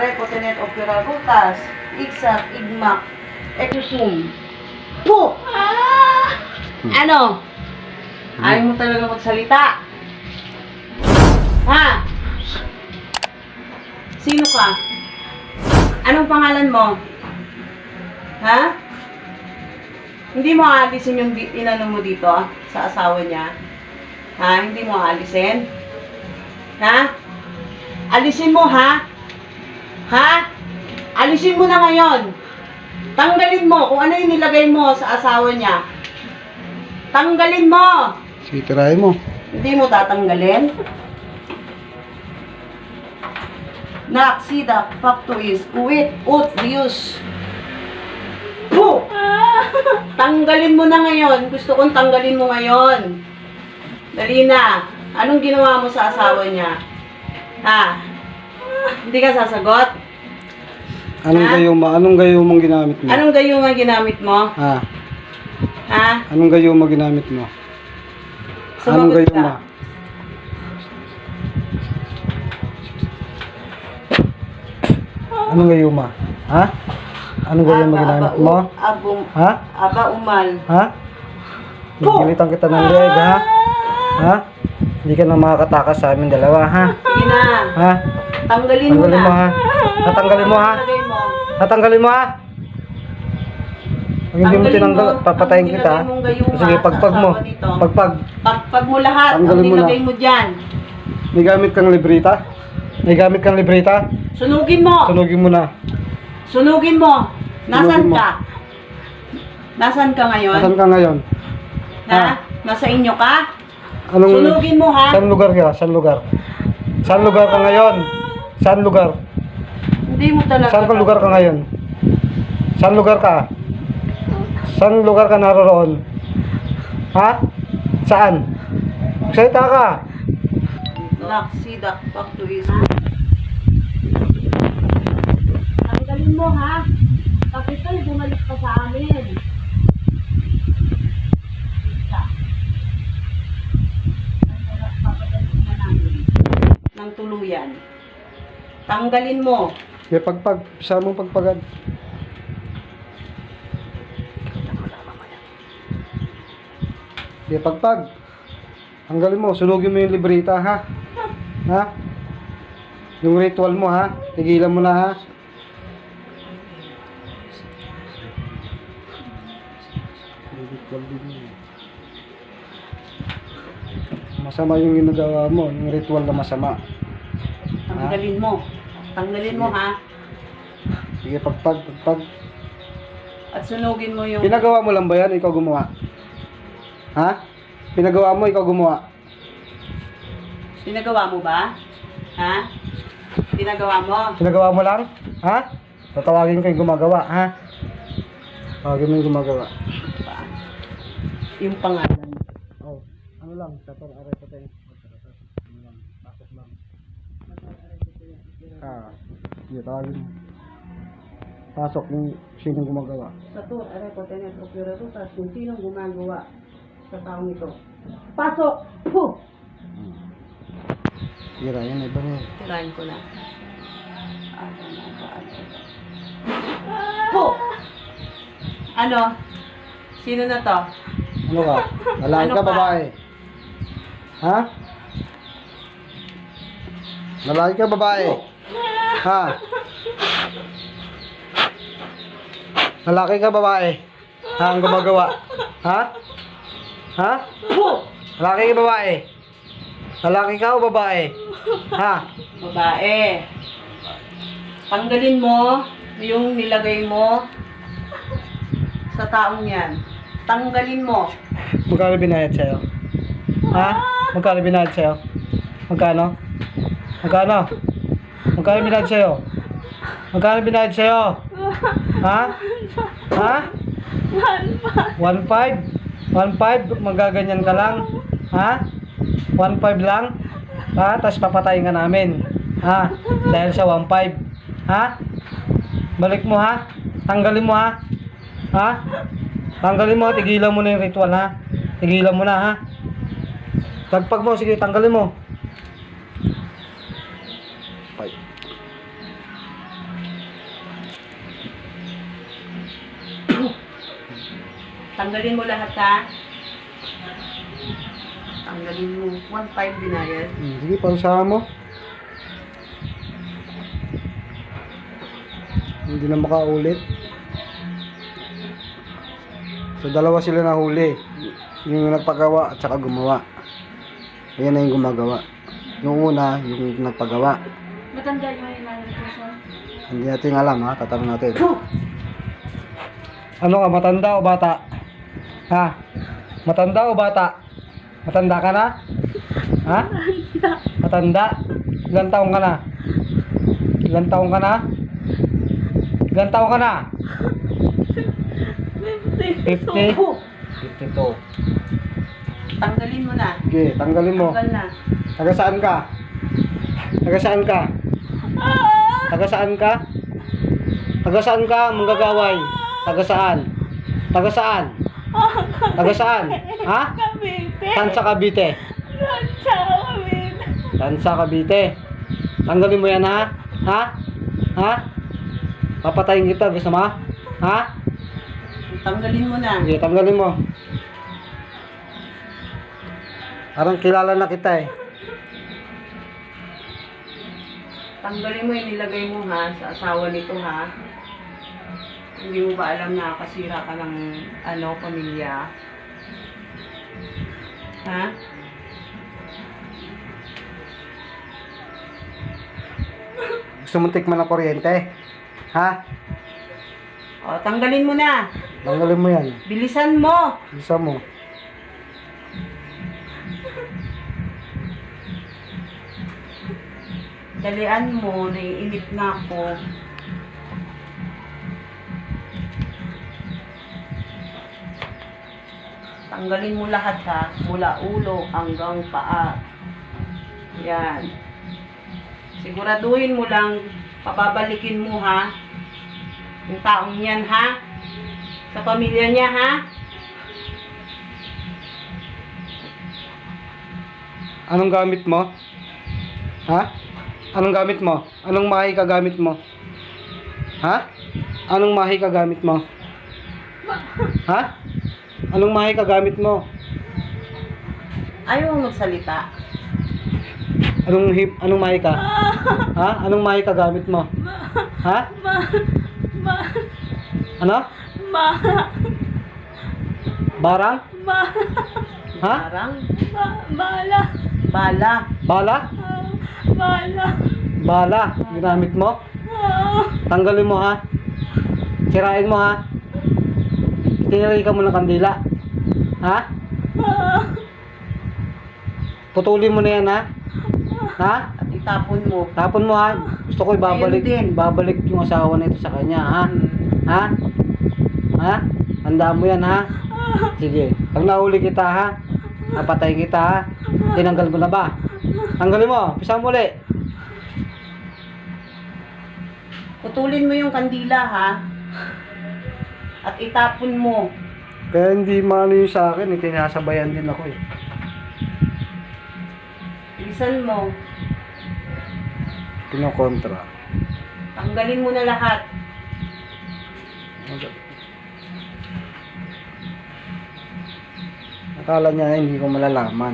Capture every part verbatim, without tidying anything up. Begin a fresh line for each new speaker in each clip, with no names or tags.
are potenet opera butas, igsak, igmak, ekusum. Po! Ano? Ayaw mo talaga magsalita? Ha? Sino ka? Anong pangalan mo? Ha? Hindi mo aalisin yung di- inano mo dito sa asawa niya? Ha? Hindi mo aalisin? Ha? Alisin mo, ha? Ha? Alisin mo na ngayon. Tanggalin mo kung ano yung nilagay mo sa asawa niya. Tanggalin mo.
Sige, tirahin mo.
Hindi mo tatanggalin. Naksida, factories, uwit, ut, rius. Po! Tanggalin mo na ngayon. Gusto kong tanggalin mo ngayon. Dali na. Anong ginawa mo sa asawa niya? Ha? Hindi ka sasagot?
Anong
Ha?
gayuma? Anong gayuma ginamit mo?
Anong gayuma ginamit mo?
Ha?
Ha?
Anong gayuma ginamit mo? Anong
Sumagot
gayuma?
ka.
Anong gayuma? Ha? Anong gayuma
Aba,
ginamit
aba,
mo?
u- abum,
Ha?
aba, umal.
Ha? Gigilitan kita ng leg, ha? Ha? Hindi ka na makakatakas sa amin dalawa, ha?
Sige na.
Ha?
Tanggalin mo
Tanggalin
na.
mo, ha? Tatanggalin mo, ha?
Tanggalin mo.
Tatanggalin mo, ha? Pag hindi mo
Tanggalin
tinanggal,
mo
papatayin
ang
kita.
nilagay mong gayuma
Sige,
sa
pagpag mo.
asawa nito.
Pagpag.
Pagpag mo lahat, ang
Tanggalin mo na.
nilagay mo dyan.
May gamit kang libreta? May gamit kang libreta?
Sunugin mo.
Sunugin mo na.
Sunugin mo. Nasaan
Sunugin mo.
ka? Nasaan ka ngayon?
Nasaan ka ngayon?
Ha?
Ah.
Nasa inyo ka?
Anong,
Sunugin mo, ha?
Saan lugar ka? Saan lugar? Saan lugar ka ngayon? Saan lugar?
Hindi mo talaga.
Saan ka lugar ka ngayon? Saan lugar ka? Saan lugar ka naroroon? Ha? Saan? Salita ka!
Naksidak, factories. Tanggalin mo, ha? Kapital, bumalik pa sa amin. Isa. Papadalhin na namin. Ng tuluyan. Tanggalin mo.
May pagpag. Saan mong pagpagan? May pagpag. Tanggalin mo. Sunugin mo yung libreta, ha? Ha? Yung ritual mo, ha? Tigilan mo na, ha? Masama yung ginagawa mo, yung ritual na masama.
Tanggalin mo. Tanggalin mo, ha?
Sige, pagpag, pagpag.
At sunugin mo yung...
Pinagawa mo lang ba yan? Ikaw gumawa? Ha? Pinagawa mo, ikaw gumawa?
Pinagawa mo ba? Ha? Pinagawa mo?
Pinagawa mo lang? Ha? Tatawagin ko yung gumagawa, ha? Tawagin mo yung gumagawa.
Yung pangalan.
Oh, ano lang, tapos aray ko tayo. Ano lang, pasok lang. Ah, sige, tawagin mo. Pasok yung sinong gumagawa.
Sa to, aray ko tenet operadotas kung sinong gumagawa sa taong ito. Pasok! Puh!
Tira, yan, iba mo.
Tirahin ko na. Ano na ba? Puh! Ano? Sino na to?
Ano ka? Lalaki
Ano
ka,
ka?
babae? Ha? Lalaki ka, babae? Ha? Lalaki ka, babae? Ha, ang gumagawa? Ha? Ha?
Puh!
Lalaki ka, babae? Lalaki ka o babae? Ha?
Babae. Tanggalin mo yung nilagay mo sa taong yan. Tanggalin mo.
Magkano binayad sa'yo? Ha? Magkano binayad sa'yo? Magkano? Magkano? Magkano binayad sa'yo? Magkano binayad sa'yo? Ha? Ha? one five? one five? Magaganyan ka lang? Ha? one five lang? Ha? Tapos papatayin ka namin. Ha? Dahil sa one five. Ha? Balik mo, ha? Tanggalin mo, ha? Ha? Tanggalin mo, tigilan mo na yung ritual, ha? Tigilan mo na, ha? Pagpag mo, sige, tanggalin mo.
Tanggalin mo lahat ha. Tanggalin mo. one five binayad.
Hmm, sige, pausahan mo. Hindi na makaulit. So, dalawa sila na huli. Yung nagpagawa at saka gumawa. Ayan na yung gumagawa. Yung una, yung nagpagawa.
Matanda yung may malnutrition.
Hindi natin alam ha, tatanong natin. Ano ka, matanda o bata? Ha? Matanda o bata? Matanda ka na? Ha? Matanda? Ilan taong ka na? Ilan taong ka na? Ilan taong ka na? fifty? fifty-two.
Tanggalin mo na.
Sige, tanggalin mo.
Tanggal na.
Taga saan ka? Taga saan ka? Taga saan ka? Taga saan ka, manggagaway? Taga saan? Taga saan? Taga saan? Ha?
Cavite.
Tansa Cavite.
Tansa Cavite.
Tansa Cavite. Tanggalin mo yan ha? Ha? Ha? Papatayin kita, gusto mo? Ha?
Tanggalin mo na.
Sige, tanggalin mo. Parang kilala na kita eh.
Tanggalin mo yung nilagay mo ha, sa asawa nito ha. Hindi mo ba alam na kasira ka ng ano, pamilya? Ha?
Gusto mong tikman ng kuryente? Ha?
O, tanggalin mo na.
Tanggalin mo yan.
Bilisan mo.
Isa mo.
Dalian mo, naiinip na ako. Tanggalin mo lahat ha, mula ulo hanggang paa. Yan. Siguraduhin mo lang, papabalikin mo ha, yung taong yan ha, sa pamilya niya ha.
Anong gamit mo? Ha? Anong gamit mo? Anong mahi ka gamit mo? Ha? Anong mahi ka gamit mo? Ha? Anong mahi ka gamit mo?
Ayaw mo magsalita.
Anong hip, anong mahi ka? Ha? Anong mahi ka gamit mo? Ha?
Ma. Ma.
Ano?
Ma.
Barang?
Ma.
Ha?
Parang
Ma. Bala.
bala.
Bala?
Ah, Bala.
Bala. Ginamit mo?
Ah.
Tanggalin mo ha. Sirain mo ha. Tiniri ka mo ng kandila. Ha?
Ah.
Putulin mo na yan ha. Ha?
At itapon mo.
Tapon mo ha. Gusto ko ibabalik,
Ayun din.
babalik yung asawa nito sa kanya ha.
Hmm.
Ha? Ha? Tandaan mo yan ha. Sige. Pag nahuli kita ha, napatay kita ha. Tinanggal mo na ba? Tanggalin mo. Pisa mo ulit.
Putulin mo yung kandila ha. At itapon mo.
Kaya hindi maano yung sa akin. Eh. Tinasabayan din ako eh.
Bilisan mo.
Kinokontra.
Tanggalin mo na lahat.
Akala niya hindi ko malalaman.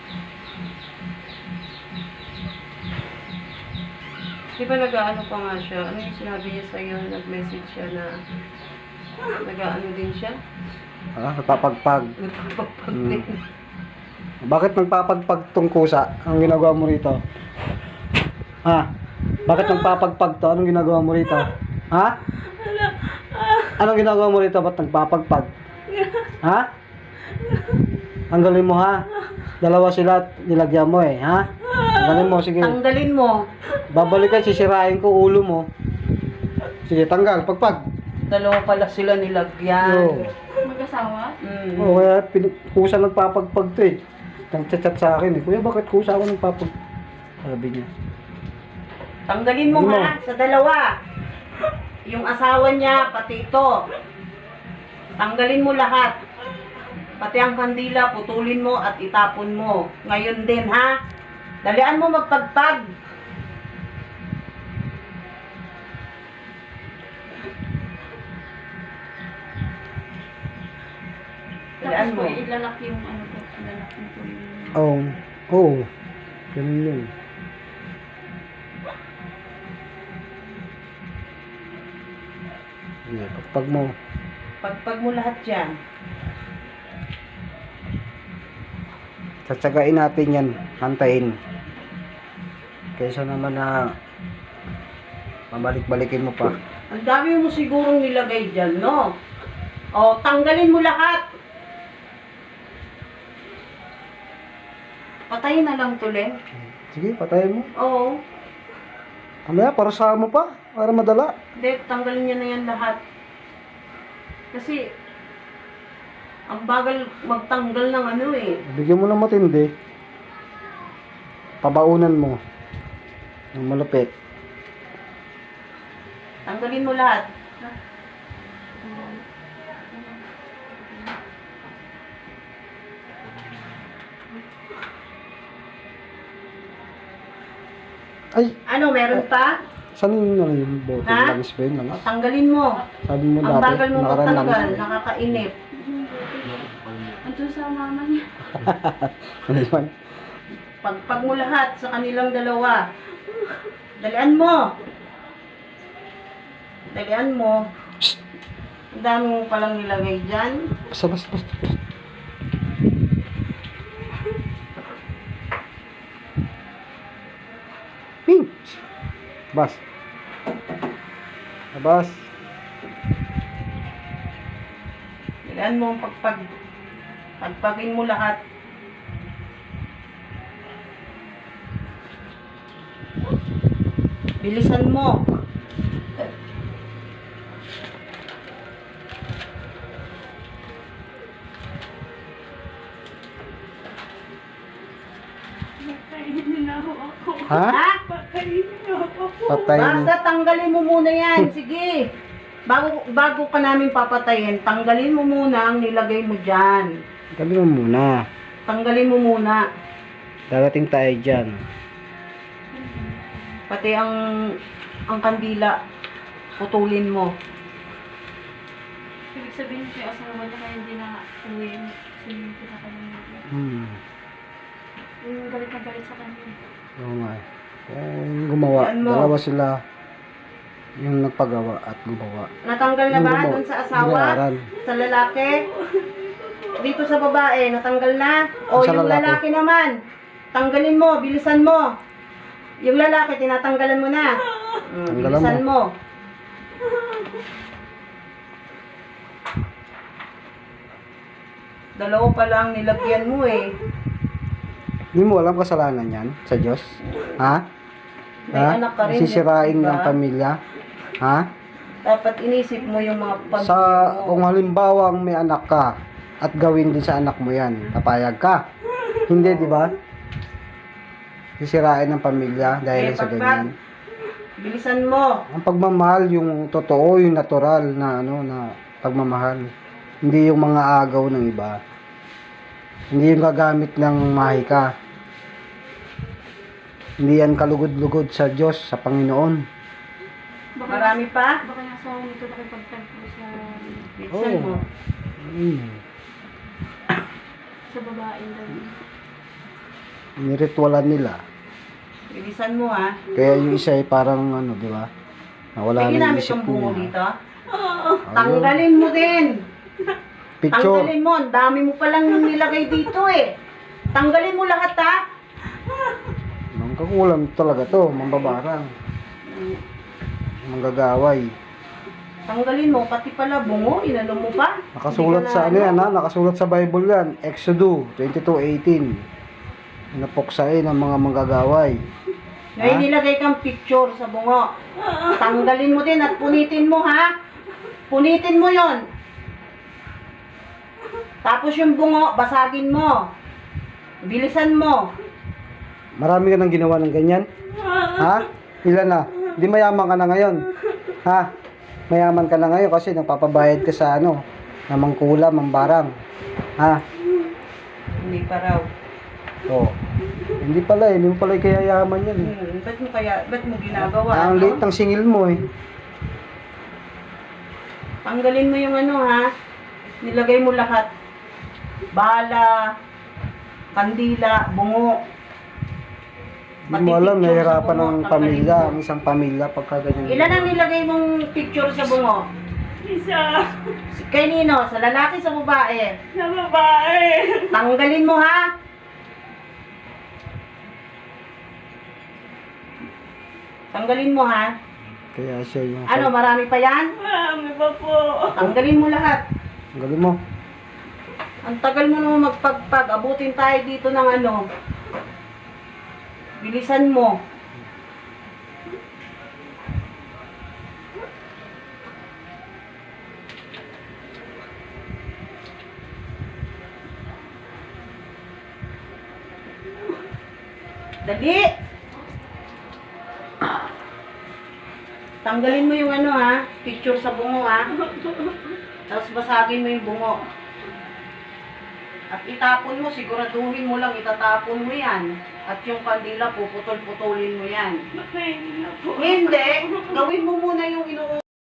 Di ba nag-ano pa nga siya? Ano yung sinabi niya sa'yo? Nag-message siya na nag-ano din siya?
Ah, napapagpag.
Nagpapagpag
Hmm.
din.
Bakit nagpapagpag tong kusa? Ang ginagawa mo rito? Ha? Bakit nagpapagpag to? Anong ginagawa mo rito? Ha? Anong ginagawa mo rito? Ba't nagpapagpag? Ha? Tanggalin mo ha? Dalawa sila at nilagyan mo eh, ha? Tanggalin mo, sige.
Tanggalin mo.
Babalikan, sisirain ko ulo mo. Sige, tanggal, pagpag.
Dalawa pala sila nilagyan.
Oo.
Mag-asawa?
Mm.
Oo, kaya pin- kusa nagpapagpag to eh. Nag-chat sa akin eh. Kuya, bakit kusa ako nagpapag... Sabi niya.
Tanggalin mo
Ano?
ha, sa dalawa. Yung asawa niya, pati ito. Tanggalin mo lahat. Pati ang kandila, putulin mo at itapon mo. Ngayon din ha. Dalian mo magpagpag. Dalian mo.
Tapos po, ilalak yung ano po. Ilalak mo po yung...
Oo. Oo. Ganun yun. Sige, pagpag mo.
Pagpag mo lahat yan.
Tsatsagain natin yan. Hantayin. Kaysa naman na mabalik-balikin mo pa.
Ang dami mo sigurong nilagay dyan, no? O, tanggalin mo lahat. Patayin na lang to, Len.
Sige, patayin mo.
Oo.
Kamaya, parusahan mo pa. Para madala.
Hindi, tanggalin niya na yan lahat. Kasi, ang bagal magtanggal ng ano eh.
Bigyan mo ng matindi. Pabaunan mo. Ng malupit.
Tanggalin mo lahat.
Ay!
Ano, meron pa?
Saan yung ano yung bote?
Ha?
Langis ba yun? Langis?
Tanggalin mo.
Sabi mo
Ang
dati,
bagal mo
nakaraan
magtanggal.
langis.
Nakakainip.
Andun sa mama niya.
Ano yun?
Pagpag mo lahat sa kanilang dalawa. Dalian mo. Dalian mo. Ang dami mo palang nilagay dyan.
Basta, basta, basta. Ping! Bas. Bas.
Dalian mo ang pagpag. Pagpagin mo lahat. Bilisan mo.
Patayin na ako ako.
Ha?
Ha?
Patayin na ako.
Patayin.
Basta tanggalin mo muna yan. Sige. Bago, bago ka namin papatayin, tanggalin mo muna ang nilagay mo dyan.
Gabi mo muna.
Tanggalin mo muna.
Darating tayo dyan.
Pati ang ang kandila, putulin mo.
Ibig sabihin ko yung asawa niya kaya hindi na uwi. Kasi yung pinakalangan niya.
Hmm.
Yung galit na galit sa kanya.
Oo nga. eh. Yung gumawa.
Yan mo.
Dalawa sila. Yung nagpagawa at gumawa.
Natanggal na
Yung
ba
gumawa.
dun sa asawa?
Binayaran.
Sa lalaki? Dito sa babae, natanggal na? O
Sa
yung
lalaki.
lalaki naman, tanggalin mo, bilisan mo. Yung lalaki, tinatanggalan mo na. Mm,
Tanggalan
bilisan mo. Dalawa pa lang nilagyan mo eh.
Hindi mo alam kasalanan yan sa Diyos? Ha?
May
Ha?
anak ka rin,
Sisirain
diba?
ng pamilya? Ha?
Dapat inisip mo yung mga pag
Sa, kung halimbawa may anak ka at gawin din sa anak mo yan, papayag ka? Hindi, di ba? Sisirain ng pamilya dahil
Eh,
sa
pagpag-
ganyan.
Bilisan mo.
Ang pagmamahal, yung totoo, yung natural na ano na pagmamahal. Hindi yung mga agaw ng iba. Hindi yung gagamit ng mahika. Hindi yan kalugod-lugod sa Diyos, sa Panginoon.
Baka,
Marami pa?
Baka yung asawa nito nakipagtagpo sa,
Bilisan
Oo.
mo.
Hmm.
sa babae daw.
Niritwalan nila.
Bilisan mo ha.
Kaya yung isa ay parang ano, di ba? Nawala
May
na yung
ginamit
isip
kang bungo
niya.
dito?
Ayun.
Tanggalin mo din.
Picture.
Tanggalin mo. Ang dami mo palang nilagay dito eh. Tanggalin mo lahat ha.
Mangkakulam talaga to, mambabarang. Manggagaway.
Tanggalin mo. Pati pala bungo. Inano mo pa.
Nakasulat
Hindi ka
sa
na
ano yan ha? Nakasulat sa Bible yan. Exodus twenty-two eighteen. Napuksain ng mga manggagaway.
Ngayon
Ha?
nilagay kang picture sa bungo. Tanggalin mo din at punitin mo ha. Punitin mo yon. Tapos yung bungo, basagin mo. Bilisan mo.
Marami ka nang ginawa ng ganyan? Ha? Ilan na? Di mayaman ka na ngayon? Ha? Mayaman ka na ngayon kasi nagpapabayad ka sa ano, na mangkula, mambarang. Ha?
Hindi pa raw.
Oo. Hindi pala eh, hindi mo pala kaya yaman yan eh.
Hmm, ba't mo kaya, ba't mo ginagawa?
Ang
ano?
late ng singil mo eh.
Tanggalin mo yung ano ha. Nilagay mo lahat. bala, kandila, bungo.
Hindi mo alam, nahihirapan ng pamilya, ang isang pamilya pagka ganyan.
Ilan ang nilagay mong picture sa bungo?
Isa.
Kay Nino, sa lalaki, sa babae.
Sa babae.
Tanggalin mo ha. Tanggalin mo ha.
Kaya siya yung...
Ano, marami pa yan?
Marami pa po.
Tanggalin mo lahat.
Ang galing mo.
Ang tagal mo naman magpagpag. Abutin tayo dito ng ano. Bilisan mo. Dali! Tanggalin mo yung ano ha, picture sa bungo ha. Tapos basagin mo yung bungo. At itapon mo, siguraduhin mo lang, itatapon mo yan. At yung kandila, puputol-putulin mo yan.
Nakainin na po.
Hindi, gawin mo muna yung inu